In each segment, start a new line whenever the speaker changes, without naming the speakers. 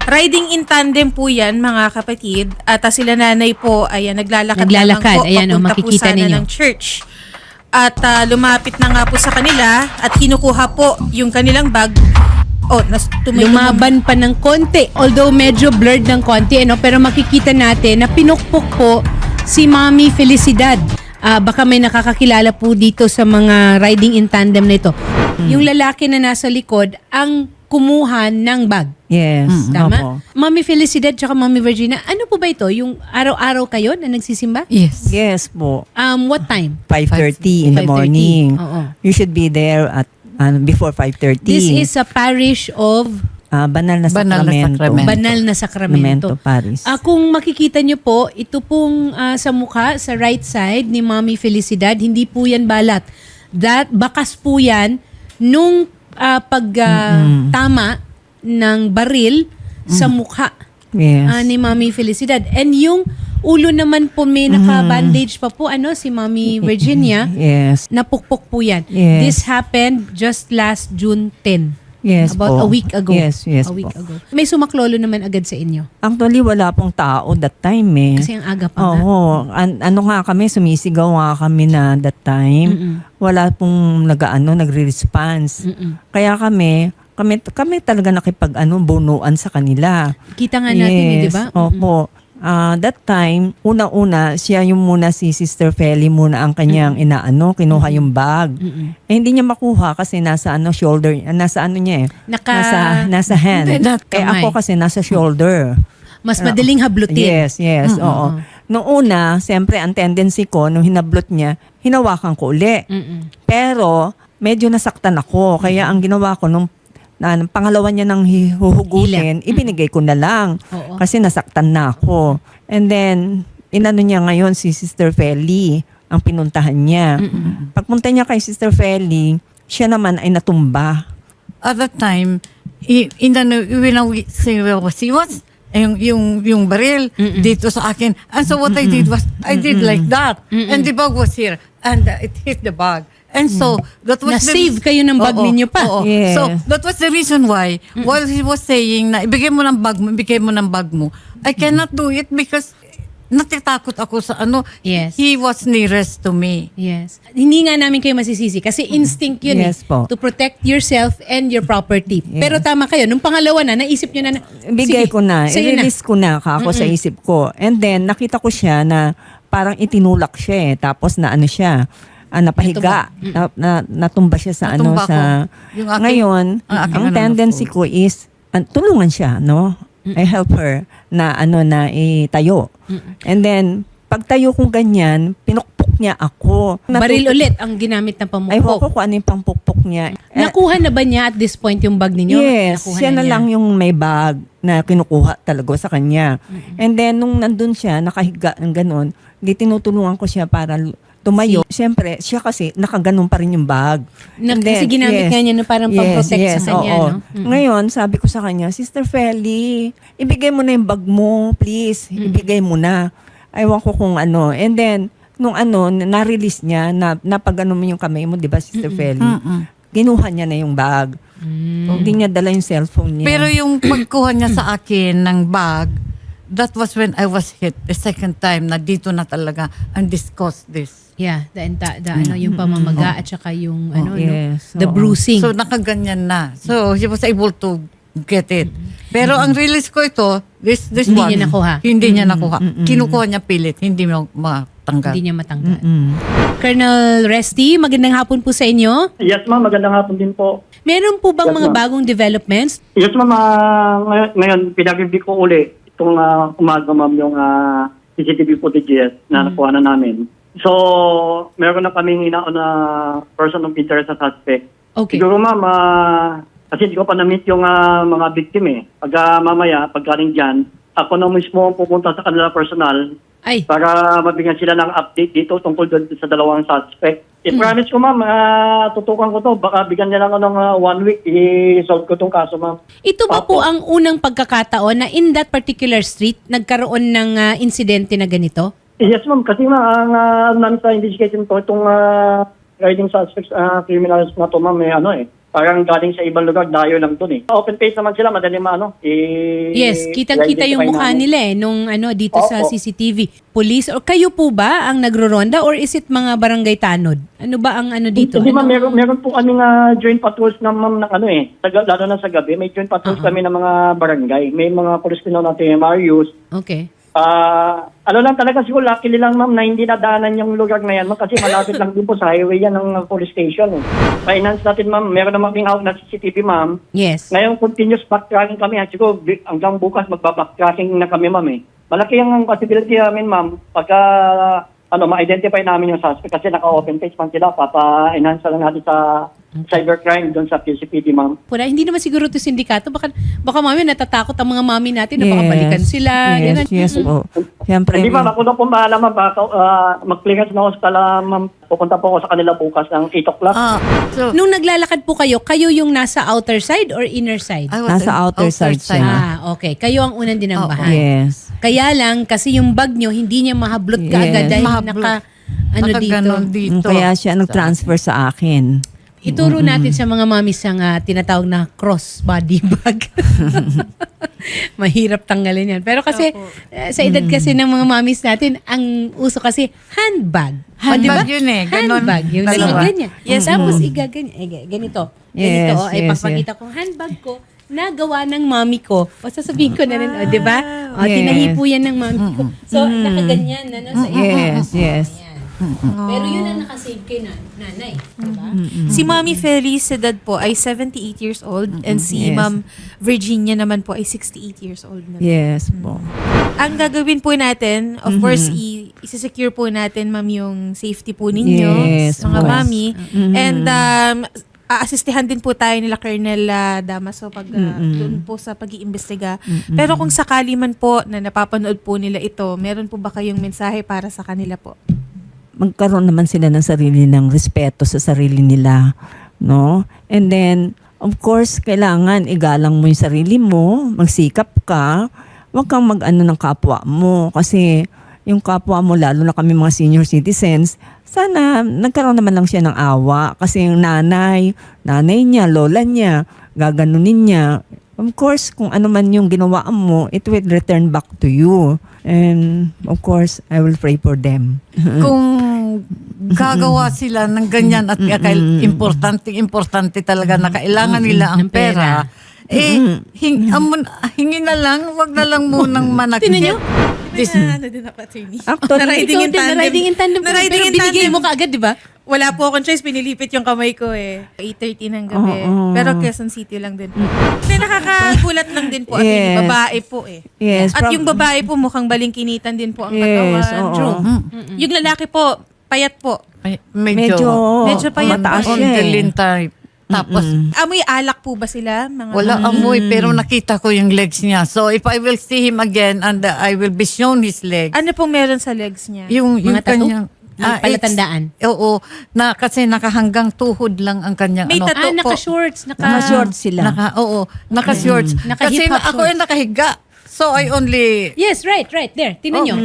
Riding in tandem po yan, mga kapatid. At sila nanay po ay naglalakad lamang po.
Ayan,
Papunta po
makikita
sana
ninyo.
ng church. At lumapit na nga po sa kanila at kinukuha po yung kanilang bag.
Lumaban pa ng konti. Although medyo blurred ng konti, pero makikita natin na pinukpok po si Mommy Felicidad. Baka may nakakakilala po dito sa mga riding in tandem na ito. Yung lalaki na nasa likod ang kumuha ng bag.
Yes.
Tama?
Opo.
Mommy Felicidad tsaka Mommy Virginia, ano po ba ito? Yung araw-araw kayo na nagsisimba?
Yes.
Yes po.
What time?
5:30 in the
5:30.
morning.
Oo.
You should be there at before 5:30.
This is a parish of
Banal na
Banal na
Sacramento.
Sacramento.
Banal na Sakramento.
Paris.
Kung makikita nyo po, ito pong sa mukha, sa right side ni Mommy Felicidad, hindi po yan balat. Bakas po yan nung pagtama ng baril sa mukha
Yes.
ni Mommy Felicidad. And yung ulo naman po may naka-bandage pa po, si Mommy Virginia.
Yes.
Napukpok po yan.
Yes.
This happened just last June 10.
Yes
About
po.
a week ago.
Yes,
A week
po.
ago. May sumaklolo naman agad sa inyo.
Actually, wala pong tao that time eh.
Kasi ang aga pa nga.
Oo. Ano nga kami, sumisigaw nga kami na that time. Wala pong nagre-response. Kaya kami talaga bunuan sa kanila.
Kita nga natin, di ba?
Opo. That time, una-una, siya yung muna si Sister Feli muna ang kanyang kinuha yung bag. Hindi niya makuha kasi nasa shoulder, nasa niya eh. Nasa hand.
Hindi, not
Kaya
kamay.
ako kasi nasa shoulder.
Mas madaling hablutin.
Yes, oo. Noong una, siyempre ang tendency ko, nung hinablot niya, hinawakan ko uli. Pero, medyo nasaktan ako. Kaya ang ginawa ko, nung pangalawa niya nang huhugutin, ibinigay ko na lang.
Oo.
Kasi nasaktan na ako. And then, inano niya ngayon si Sister Feli, ang pinuntahan niya. Pagpunta niya kay Sister Feli, siya naman ay natumba.
At that time, when he was, yung baril dito sa akin. And so what I did was, I did like that. And the bag was here. And it hit the bag. And so, that was
Na-save kayo ng bag ninyo pa.
Oo.
Yes.
So, that was the reason why, while he was saying na ibigay mo ng bag mo, I cannot do it because natatakot ako sa
Yes.
he was nearest to me.
Yes. Hindi nga namin kayo masisisi kasi instinct yun
Yes po.
to protect yourself and your property. Pero tama kayo, nung pangalawa na, naisip nyo na,
Bigay
sige,
ko na,
sa'yo na.
i-release ko na ako sa isip ko. And then, nakita ko siya na parang itinulak siya Tapos na siya, napahiga. Natumba siya sa
Natumba
sa...
ko. Yung aking-
Ngayon,
ang aking
ang tendency ko is, tulungan siya, I help her na na itayo. And then, pagtayo kong ganyan, pinukpok niya ako.
Baril ulit ang ginamit na
Ay, ko
pamukpok.
kung ano yung pampukpok niya.
Nakuha na ba niya at this point yung bag ninyo?
Yes,
Nakuha
siya na
niya.
lang yung may bag na kinukuha talaga sa kanya. And then, nung nandun siya, nakahiga ng ganun, di tinutulungan ko siya para tumayo. Siyempre, siya kasi nakaganon pa rin yung bag. And
Kasi ginamit nga niya na parang pang-protect sa kanya,
oo.
no?
Ngayon, sabi ko sa kanya, Sister Feli, ibigay mo na yung bag mo, please. Ibigay mo na. Aywan ko kung ano. And then, nung na-release niya, napag-ano mo yung kamay mo, di ba, Sister Feli? Ginuha niya na yung bag. Hindi niya dala yung cellphone niya.
Pero yung pagkuha niya sa akin ng bag, that was when I was hit the second time na dito na talaga and discussed this.
Yeah, yung pamamaga at saka yung
yes,
the
oo.
bruising.
So nakaganyan na. So he was able to get it. Pero ang release ko ito, this
Hindi
one,
niya nakuha.
Hindi niya nakuha. Kinukuha niya pilit, hindi mo matanggal.
Hindi niya matanggal. Colonel Resty, magandang hapon po sa inyo.
Yes, ma'am. Magandang hapon din po.
Meron po bang
Yes,
mga
ma'am.
bagong developments?
Yes, ma'am. Ngayon, pinag-review ko uli itong umaga, ma'am, yung CCTV footages na nakuha na namin. So, meron na kaming na person of interest sa suspect.
Okay.
Siguro, ma'am, kasi hindi ko pa na-meet yung mga victim eh. Mamaya, pagkaling dyan, ako na mismo pupunta sa kanila personal
Ay,
para mabigyan sila ng update dito tungkol doon sa dalawang suspect. I-promise ko, ma'am, tutukan ko to. Baka bigyan niya lang ako ng 1 week, i-solve ko tong kaso, ma'am.
ito ba po
Opo.
ang unang pagkakataon na in that particular street nagkaroon ng insidente na ganito?
Yes, ma'am. Kasi ma'am, ang namin sa investigation ko, itong riding suspects, criminals na to, ma'am, parang galing sa ibang lugar, dayo lang dun eh. Open face naman sila, madali
Yes, kitang-kita yung mukha nila nung dito sa
Opo.
CCTV. Police or kayo po ba ang nagro-ronda or is it mga barangay tanod? Ano ba ang dito?
Hindi ma'am, meron po kami joint patrols na ma'am ng lalo na sa gabi, may joint patrols kami ng mga barangay. May mga police din natin, Marius.
Okay.
Lang talaga siguro, luckily lang ma'am na hindi nadaanan yung lugar na yan ma'am, kasi malapit lang din po sa highway yan ng police station. Finance natin ma'am, meron naman kaming hawak na CCTV ma'am.
Yes.
Ngayon continuous backtracking kami. Siguro hanggang bukas magbabacktracking na kami ma'am eh. Malaki ang possibility namin ma'am pagka ma-identify namin yung suspect kasi naka-open face man sila, papa-enhance lang natin sa cybercrime doon sa PCPD, ma'am.
Pura, hindi naman siguro ito sindikato. Baka mami natatakot ang mga mami natin na baka balikan sila.
Yes,
Ganun.
yes po. Siyempre.
Hindi ma'am, ako na po bahala ma'am. Mag-clearance na hospital ma'am. Pupunta po ako sa kanila bukas ng 8 o'clock.
So,
Nung naglalakad po kayo yung nasa outer side or inner side?
I was
Nasa
in
outer side siya.
Okay. Kayo ang unang dinambahan.
Yes.
Kaya lang, kasi yung bag nyo, hindi niya mahablot ka
Yes.
agad dahil
Mahablot.
naka, dito.
Kaya siya nag-transfer sa akin.
Ituro natin sa mga mamis ang tinatawag na cross body bag. Mahirap tanggalin yan. Pero kasi, sa edad kasi ng mga mamis natin, ang uso kasi handbag.
Handbag yun eh. Ganon.
Handbag. Yung
Dalawa.
ganyan. Yes. Tapos igaganyan. Ganito.
Yes,
Ganito. Ay,
yes,
pagpakita kong handbag ko, nagawa ng mami ko. O sasabihin ko na rin, di ba? O,
Yes.
tinahipo yan ng mami ko. So, nakaganyan na, sa
Yes, yes.
Ayan. Pero yun ang nakasave kay nanay. Diba?
Si Mommy Felicidad po ay 78 years old and si
Yes.
Ma'am Virginia naman po ay 68 years old na.
Yes po.
Ang gagawin po natin, of course, i-secure po natin, ma'am, yung safety po ninyo,
Yes,
mga
of course.
mami. And aasistihan din po tayo nila Colonel Damaso pag doon po sa pag-iimbestiga. Pero kung sakali man po na napapanood po nila ito, meron po ba kayong mensahe para sa kanila po?
Magkaroon naman sila ng sarili ng respeto sa sarili nila, no? And then, of course, kailangan igalang mo yung sarili mo, magsikap ka, huwag kang mag-ano ng kapwa mo kasi yung kapwa mo, lalo na kami mga senior citizens, sana nagkaroon naman lang siya ng awa kasi yung nanay niya, lola niya, gaganunin niya. Of course, kung ano man yung ginawa mo, it will return back to you. And of course, I will pray for them.
Kung gagawa sila ng ganyan at importante talaga na kailangan nila ang
Ng pera.
pera, hingi na lang, wag na lang munang manakit.
Tinan nyo?
Ano din ako, attorney?
Actually,
Ikaw din, na-riding in tandem.
Na-riding
Pero
in
binigay
tandem.
mo kaagad, di ba?
Wala po akong choice, pinilipit yung kamay ko eh. 8:30 ng gabi.
Oo.
Pero Quezon City lang din po. Kasi nakakagulat lang din po. At
Yes.
babae po eh.
Yes,
At yung babae po mukhang balingkinitan din po ang
Yes,
katawan.
oo.
True. Yung lalaki po, payat po.
Ay,
Medyo payat
mataas
po.
on
siya
the
eh.
lean type. Tapos,
Amoy alak po ba sila? Mga
wala amoy, pero nakita ko yung legs niya. So, if I will see him again and I will be shown his legs,
Ano pong meron sa legs niya?
yung
Mga tattoo?
kanyang...
Palatandaan.
Oo, kasi nakahanggang tuhod lang ang kanyang
May
ano.
tattoo.
Naka-shorts.
Naka-short sila.
Naka-shorts.
Naka-hip
Kasi
hop
ako ay
shorts.
nakahiga. So, I only...
Yes, right. There. Tinan nyo.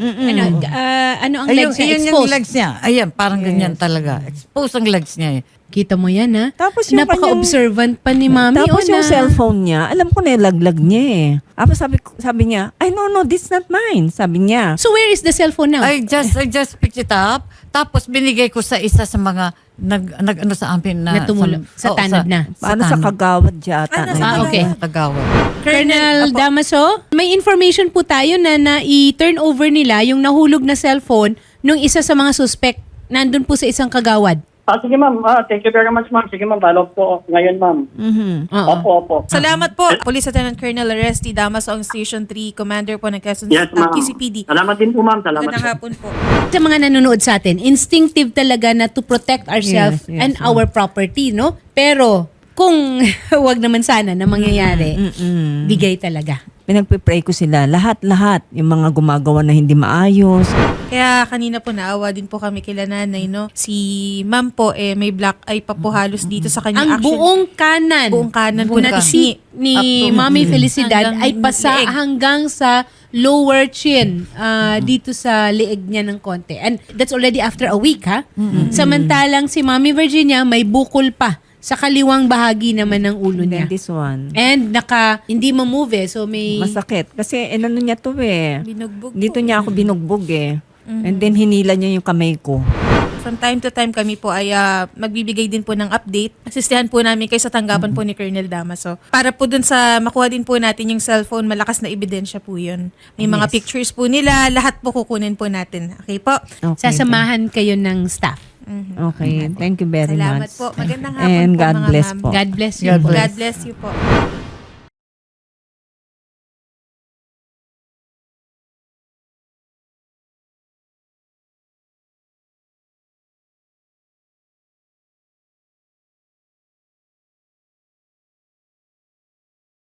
Ano ang legs niya?
Yun yung
Exposed.
legs niya. Ayan, parang ganyan talaga. Exposed ang legs niya eh.
Kita mo yan, ha?
Tapos yung
Napaka-observant pa ni Mami.
Tapos yung
na-
cellphone niya, alam ko na yung laglag niya eh. Tapos sabi niya, ay no, this not mine. Sabi niya.
So where is the cellphone now?
I just picked it up. Tapos binigay ko sa isa sa mga nag-ano sa amin na...
Natumulo. Sa tanod na.
Paano sa kagawad yata?
okay.
Sa Kagawa.
Colonel Damaso, may information po tayo na i-turn over nila yung nahulog na cellphone nung isa sa mga suspect nandun po sa isang kagawad.
Sige ma'am, thank you very much ma'am. Sige ma'am, follow po ngayon ma'am.
Oo.
Opo.
Salamat po, Police Lieutenant Colonel Aresti Damaso, ang Station 3 Commander po ng Quezon
Yes ma'am.
QCPD.
Salamat din po ma'am. Salamat
Magandang
po.
hapon po.
Sa mga nanonood sa atin, instinctive talaga na to protect ourselves
Yes, yes,
and our property, no? Pero kung wag naman sana na mangyayari, bigay talaga.
Pinagpipray ko sila, lahat, yung mga gumagawa na hindi maayos.
Kaya kanina po naawa din po kami kila nanay, no? Si ma'am po, may black eye pa po halos dito sa kanyang
Ang buong kanan,
buong kanan po na
ni
Up to-
Mami Felicidad
Hanggang
ay pasa
leeg.
hanggang sa lower chin dito sa leeg niya ng konti. And that's already after a week, ha? Samantalang si Mami Virginia may bukol pa sa kaliwang bahagi naman ng ulo
And
niya.
then this one.
And hindi ma-move so may...
Masakit. Kasi ano niya to eh.
Binugbog
Dito
po.
niya ako binugbog eh. And then hinila niya yung kamay ko.
From time to time kami po ay magbibigay din po ng update. Asistihan po namin kayo sa tanggapan po ni Colonel Damaso. Para po dun sa makuha din po natin yung cellphone, malakas na ebidensya po yun. May mga
Yes.
pictures po nila, lahat po kukunin po natin. Okay po?
Okay.
Sasamahan kayo ng staff.
Okay. Thank you very
Salamat
much.
po. Magandang hapon
And
po
God
mga
bless
ma'am.
po.
God bless you.
God bless.
God bless you po.